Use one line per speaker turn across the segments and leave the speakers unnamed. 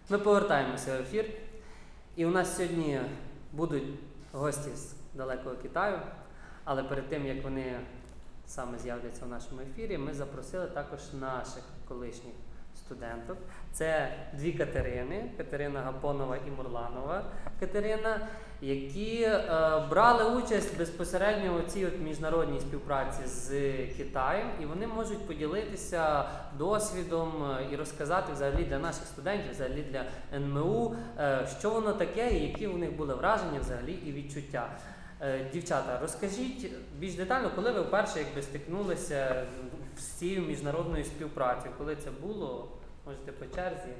Ми повертаємося в ефір. І у нас сьогодні будуть гості з далекого Китаю, але перед тим, як вони саме з'являться у нашому ефірі, ми запросили також наших колишніх студенток. Це дві Катерини, Катерина Гапонова і Мурланова Катерина, які брали участь безпосередньо у цій міжнародній співпраці з Китаєм, і вони можуть поділитися досвідом і розказати взагалі для наших студентів, взагалі для НМУ, що воно таке і які у них були враження взагалі і відчуття. Дівчата, розкажіть більш детально, коли ви вперше стикнулися з цією міжнародною співпрацею, коли це було, можете по черзі.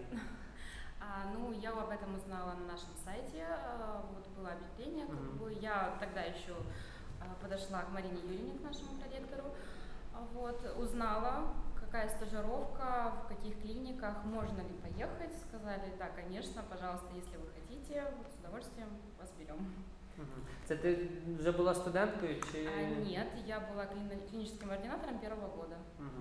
Ну, я об этом узнала на нашем сайте, вот было объявление, я тогда еще подошла к Марине Юрьевне, к нашему проректору, вот, узнала, какая стажировка, в каких клиниках, можно ли поехать, сказали, да, конечно, пожалуйста, если вы хотите, вот, с удовольствием вас берем.
Це ти вже була студенткою чи?
Нет, я была клиническим ординатором первого года.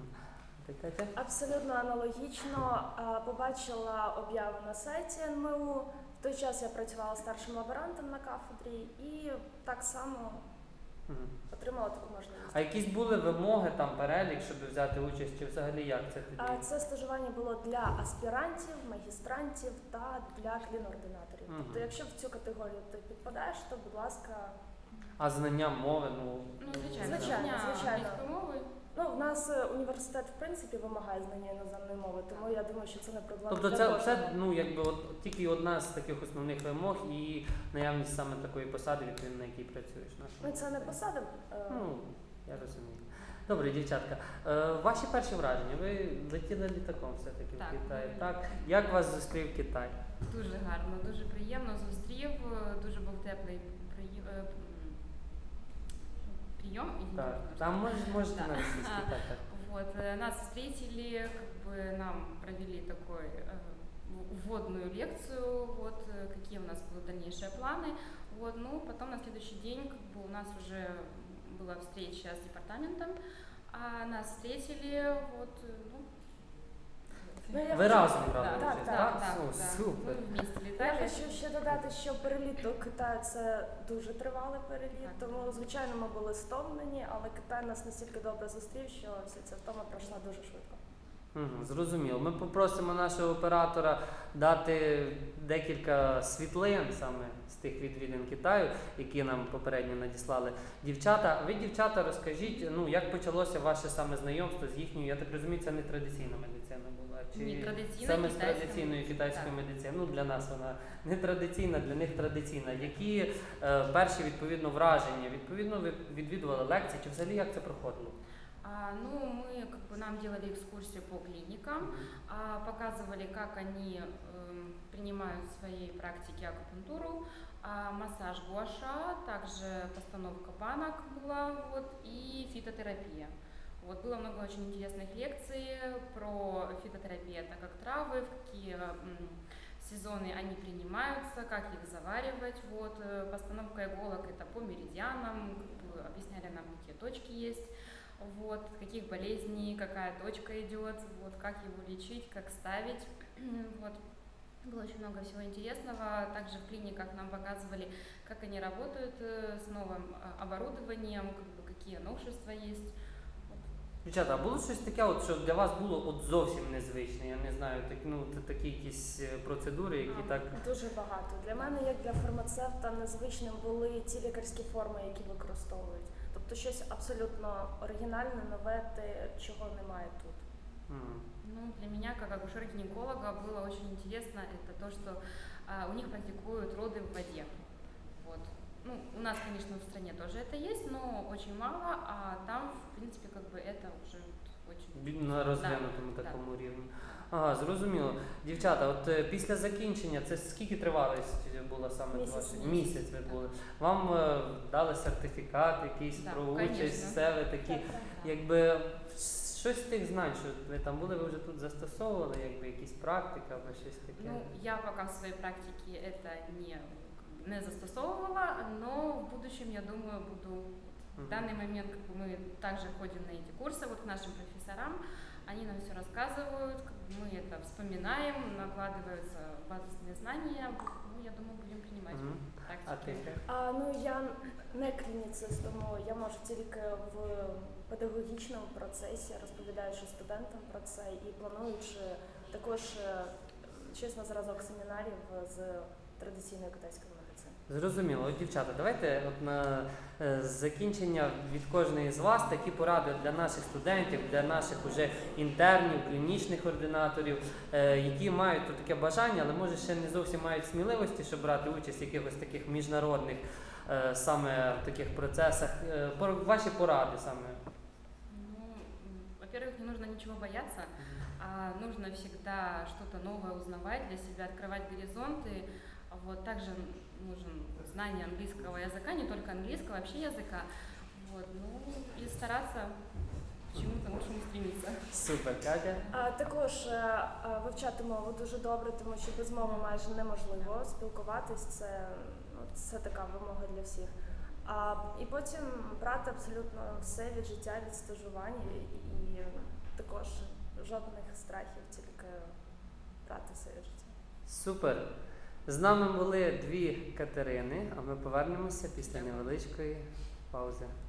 Абсолютно аналогічно. Побачила об'яву на сайті НМУ. В той час я працювала старшим лаборантом на кафедрі і так само отримала таку можливість.
А якісь були вимоги, там перелік, щоб взяти участь, чи взагалі як це тоді?
Це стажування було для аспірантів, магістрантів та для клінординаторів. Тобто, якщо в цю категорію ти підпадаєш, то, будь ласка...
А знання мови,
звичайно.
Мови.
Ну, в нас університет, в принципі, вимагає знання іноземної мови, тому я думаю, що це не проблема.
Тобто це якби тільки одна з таких основних вимог і наявність саме такої посади, відповідно, на якій працюєш.
Ну, це не посада.
Я розумію. Добре, дівчатка. Ваші перші враження? Ви летіли літаком все-таки в Китай, так? Як вас зустрів Китай?
Дуже гарно, дуже приємно зустрів, дуже був теплий прием.
Так, там можете на российский, так.
Вот, нас встретили, нам провели такой вводную лекцию, вот, какие у нас будут дальнейшие планы. Вот, ну, потом на следующий день у нас уже была встреча с департаментом, нас встретили, вот,
Ви разом брали
участь,
так? Супер.
Ми вместе літали.
Я хочу ще додати, що переліт до Китаю – це дуже тривалий переліт, тому, звичайно, ми були стомлені, але Китай нас настільки добре зустрів, що вся ця втома пройшла дуже швидко.
Зрозуміло. Ми попросимо нашого оператора дати декілька світлин саме з тих відвідин Китаю, які нам попередньо надіслали дівчата. Ви, дівчата, розкажіть, як почалося ваше саме знайомство з їхньою, я так розумію, це не традиційна медицина була? Чи саме з традиційною китайською медициною? Ну, для нас вона не традиційна, для них традиційна. Які перші, відповідно, враження? Відповідно, ви відвідували лекції, чи взагалі як це проходило?
Нам делали экскурсию по клиникам, показывали, как они принимают в своей практике акупунктуру, массаж гуаша, также постановка банок была, и фитотерапия. Было много очень интересных лекций про фитотерапию, это как травы, в какие сезоны они принимаются, как их заваривать. Постановка иголок это по меридианам, объясняли нам, какие точки есть. Каких болезней, какая точка идет, как его лечить, как ставить. Было очень много всего интересного. Также в клиниках нам показывали, как они работают с новым оборудованием, какие новшества есть.
Дівчата, а було щось таке, що для вас було зовсім незвичне? Я не знаю, такі якісь процедури, які так...
Дуже багато. Для мене, як для фармацевта, незвичним були ті лікарські форми, які використовують. Тобто щось абсолютно оригінальне, нове, те, чого немає тут.
Для меня, как акушера-гинеколога, было очень интересно, это то, что у них практикуют роды в воде. У нас, конечно, в стране тоже это есть, но очень мало, а там, в принципе, это уже очень...
На розвинутому такому рівні. Ага, зрозуміло. Дівчата, після закінчення, це скільки тривалість була саме? Місяць ви були. Вам дали сертифікат якийсь про участь, все ви такі, щось з тих знань, що ви там були, ви вже тут застосовували, якісь практики або щось таке?
Я пока в своей практике это не застосовувала, но в будущем, я думаю, буду В данный момент как бы, мы также ходим на эти курсы вот к нашим профессорам, они нам все рассказывают, как бы мы это вспоминаем, накладываются базисные знания. Ну, я думаю, будем принимать
А ти?
практики.
Ну я не клініцист, тому я можу тільки в педагогічному процесі, розповідаючи студентам про це і плануючи також щось на зразок семінарів з традиційної китайської медицини.
Зрозуміло. От, дівчата, давайте от на закінчення від кожної з вас такі поради для наших студентів, для наших уже інтернів, клінічних ординаторів, які мають тут таке бажання, але може ще не зовсім мають сміливості, щоб брати участь в якихось таких міжнародних саме в таких процесах. Ваші поради саме.
Ну, во-первых, не нужно ничего бояться, а нужно всегда что-то новое узнавать для себя, открывать горизонты. Вот, также нужен знание английского языка, не только английского, вообще языка. Вот, ну и стараться к чему-то лучшему стремиться.
Супер, Катя.
Також вивчати мову дуже добре, тому що без мови майже неможливо спілкуватись. Це така вимога для всіх. І потім брати абсолютно все від життя, від стажування і також жодних страхів, тільки брати все від життя.
Супер. З нами були дві Катерини, а ми повернемося після невеличкої паузи.